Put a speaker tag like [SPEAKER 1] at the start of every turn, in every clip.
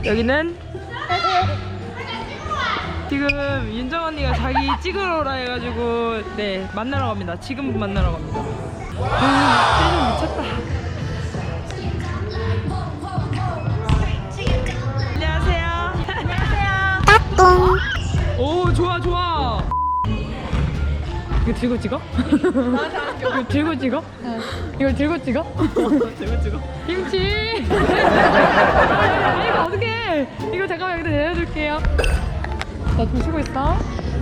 [SPEAKER 1] 여기는 지금 윤정 언니가 자기 찍으러 오라 해가지고 네 만나러 갑니다. 지금 만나러 갑니다. 아, 미쳤다. 안녕하세요. 안녕하세요. 따뚱. 오 좋아 좋아. 이거 들고 찍어? 이거 들고 찍어? 이걸 들고 찍어? 들고 찍어? 김치! 이거 어떡해! 이거 잠깐만 여기다 내려줄게요. 나 좀 쉬고 있어.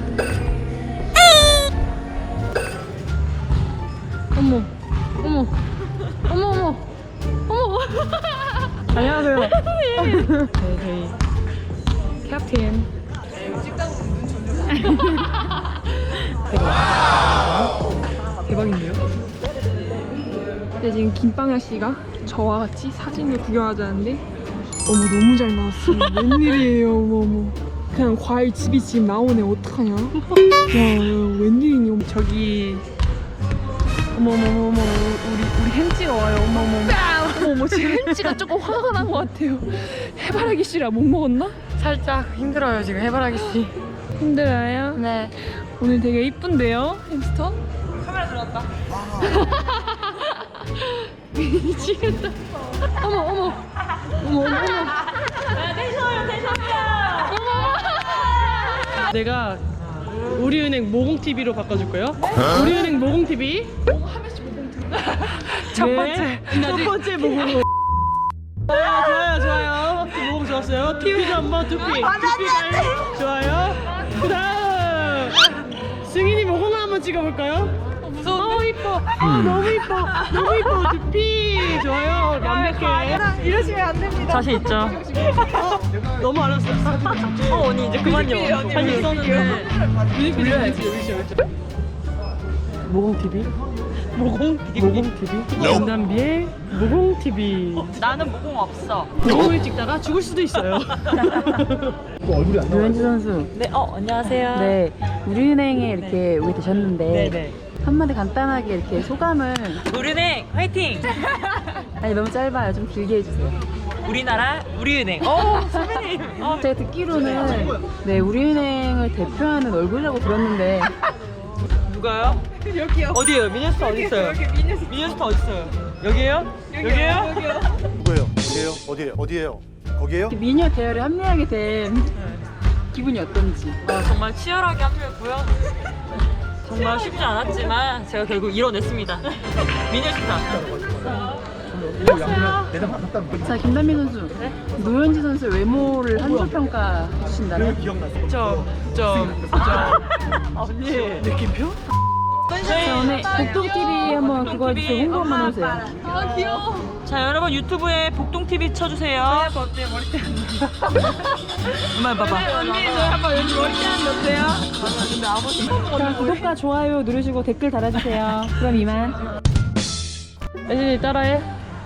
[SPEAKER 1] 어머, 어머, 어머, 어머, 어머. 안녕하세요. 네, 저희 캡틴. 대박인데요? 근데 지금 김빵야 씨가 저와 같이 사진을 구경하자는데 어머 너무 잘 나왔어. 웬일이에요. 어머 그냥 과일 집이 지금 나오네. 어떡하냐. 야 웬일이니. 저기 어머머머머 우리 햄찌가 와요. 어머머 지금 햄찌가 조금 화가 난 것 같아요. 해바라기 씨라 못 먹었나? 살짝 힘들어요 지금 해바라기 씨. 힘들어요? 네. 오늘 되게 이쁜데요, 햄스터? 카메라 들어왔다. 미치겠다. 어머, 어머. 어머, 어머, 어머. 대셔요. 어머. 내가 우리은행 모공TV로 바꿔줄까요? 우리은행 모공TV. 첫 번째 모공. 좋아요. 모공 좋았어요. TV도 한번 두피. 좋아요. 그 다음 승인이 모공을 한번 찍어볼까요? 무서워. 너무 이뻐. 너무 이뻐. 두피 좋아요. 완벽해. 이러시면 안 됩니다. 자신 있죠? 너무 알았어. 언니 이제 그만요. 자신 있었는데 돌려야지. 모공TV? 모공TV? 연단비의 모공TV. 나는 모공 없어. 모공을 찍다가 죽을 수도 있어요.
[SPEAKER 2] 류현지 선수.
[SPEAKER 1] 네, 안녕하세요.
[SPEAKER 2] 네, 우리은행에 이렇게 오게 되셨는데
[SPEAKER 1] 네네.
[SPEAKER 2] 한마디 간단하게 이렇게 소감을.
[SPEAKER 1] 우리은행 화이팅!
[SPEAKER 2] 아니 너무 짧아요. 좀 길게 해주세요.
[SPEAKER 1] 우리나라 우리은행. 선배님.
[SPEAKER 2] 제가 듣기로는 네 우리은행을 대표하는 얼굴이라고 들었는데.
[SPEAKER 1] 누가요? 여기요. 어디에요? 미니스타 어디 있어요? 여기 미니스타 어디 있어요? 여기에요? 여기요?
[SPEAKER 3] 누구예요? 어디에요? 어디에요? 거기에요?
[SPEAKER 2] 미녀 대열에 합류하게 된 기분이 어떤지.
[SPEAKER 1] 정말 치열하게 합류했고요. 정말 쉽지 않았지만 제가 결국 이뤄냈습니다. 미니스타.
[SPEAKER 2] 자, 김단민 선수.
[SPEAKER 1] 네?
[SPEAKER 2] 노현지 선수의 외모를 한 줄 평가 해주신다면?
[SPEAKER 1] 언니. 느낌표?
[SPEAKER 2] 자, 오늘 복동TV 한번 그거 해주세요. 홍보 한번 해주세요.
[SPEAKER 1] 아 귀여워. 자 여러분 유튜브에 복동TV 쳐주세요. 어때 머리띠 안 나? 엄마 봐봐. 언니 저 한번 여기 머리띠 안 넣으세요? 근데 아버지.
[SPEAKER 2] 자, 구독과 좋아요 누르시고 댓글 달아주세요. 그럼 이만.
[SPEAKER 4] 혜진이 따라해.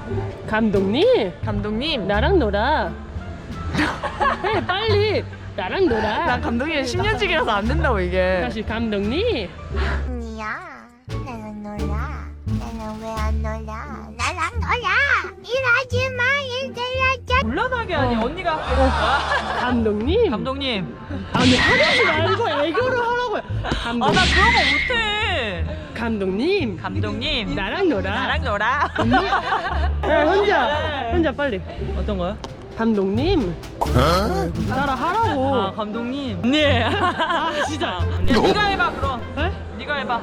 [SPEAKER 4] 감독님 나랑 놀아. 해 빨리 나랑 놀아.
[SPEAKER 1] 난 감독님 10년씩이라서 안 된다고 이게.
[SPEAKER 4] 다시 감독님.
[SPEAKER 5] 언니야, 나랑 놀아. 나는 왜 안 놀아? 나랑 놀아. 일하지 마, 일들하자.
[SPEAKER 1] 곤란하게 하니 언니가.
[SPEAKER 4] 감독님.
[SPEAKER 1] 감독님.
[SPEAKER 4] 아니 하지 말고 애교를 하라고요.
[SPEAKER 1] 나
[SPEAKER 4] 감독님.
[SPEAKER 1] 그런 거 못해.
[SPEAKER 4] 감독님 나랑 놀아.
[SPEAKER 1] 나랑 놀아.
[SPEAKER 4] 야 혼자 빨리.
[SPEAKER 1] 어떤 거요?
[SPEAKER 4] 감독님 따라 하라고.
[SPEAKER 1] 아 감독님. 네. 아 진짜. 네가 해봐 그럼.
[SPEAKER 4] 에?
[SPEAKER 1] 네가 해봐.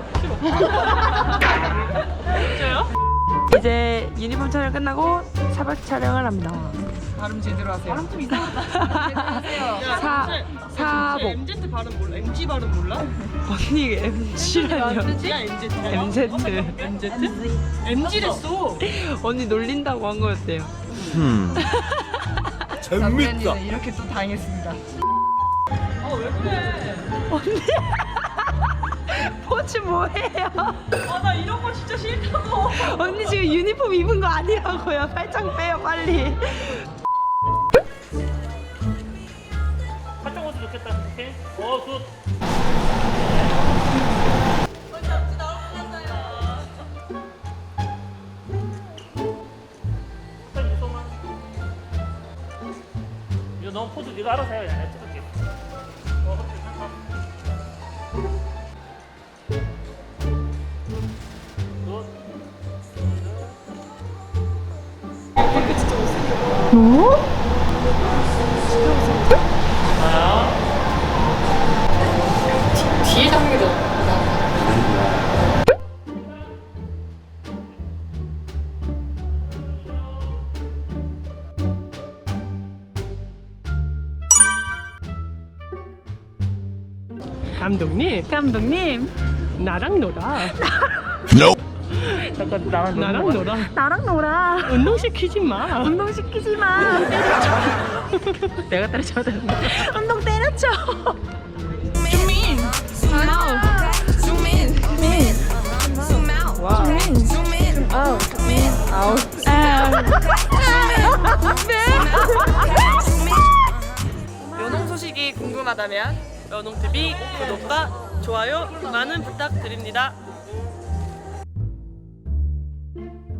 [SPEAKER 1] 진짜요? 이제 유니폼 촬영 끝나고 사박 촬영을 합니다. 발음 제대로 하세요. 발음 좀 이상하다. 사복.
[SPEAKER 4] MZ 발음 몰라? MG 발음 몰라?
[SPEAKER 1] 언니 MG라뇨? MZ.
[SPEAKER 4] MG랬어.
[SPEAKER 1] 언니 놀린다고 한 거였대요.
[SPEAKER 3] 재밌다.
[SPEAKER 1] 이렇게 또 당했습니다. 왜 그래? 언니. 포즈 뭐해요? 나 이런 거 진짜 싫다고. 언니 지금 유니폼 입은 거 아니라고요. 팔짱 빼요 빨리.
[SPEAKER 4] 활동 옷이 좋겠다. 오케이? 굿. 너 포즈 네가 알아서 해. 내가 찍을게.
[SPEAKER 2] 뒤에 잡는 게 더.
[SPEAKER 1] 감독님,
[SPEAKER 2] 감독님,
[SPEAKER 1] 나랑 놀아.
[SPEAKER 4] 잠깐 나랑
[SPEAKER 1] 나랑 놀아.
[SPEAKER 2] 나랑 놀아.
[SPEAKER 1] 운동 시키지 마.
[SPEAKER 2] 운동 시키지 마.
[SPEAKER 1] 내가 때려줘야 되는 거.
[SPEAKER 2] 운동 때려쳐.
[SPEAKER 1] 연홍 소식이 궁금하다면 연홍TV 구독과 좋아요 많은 부탁드립니다.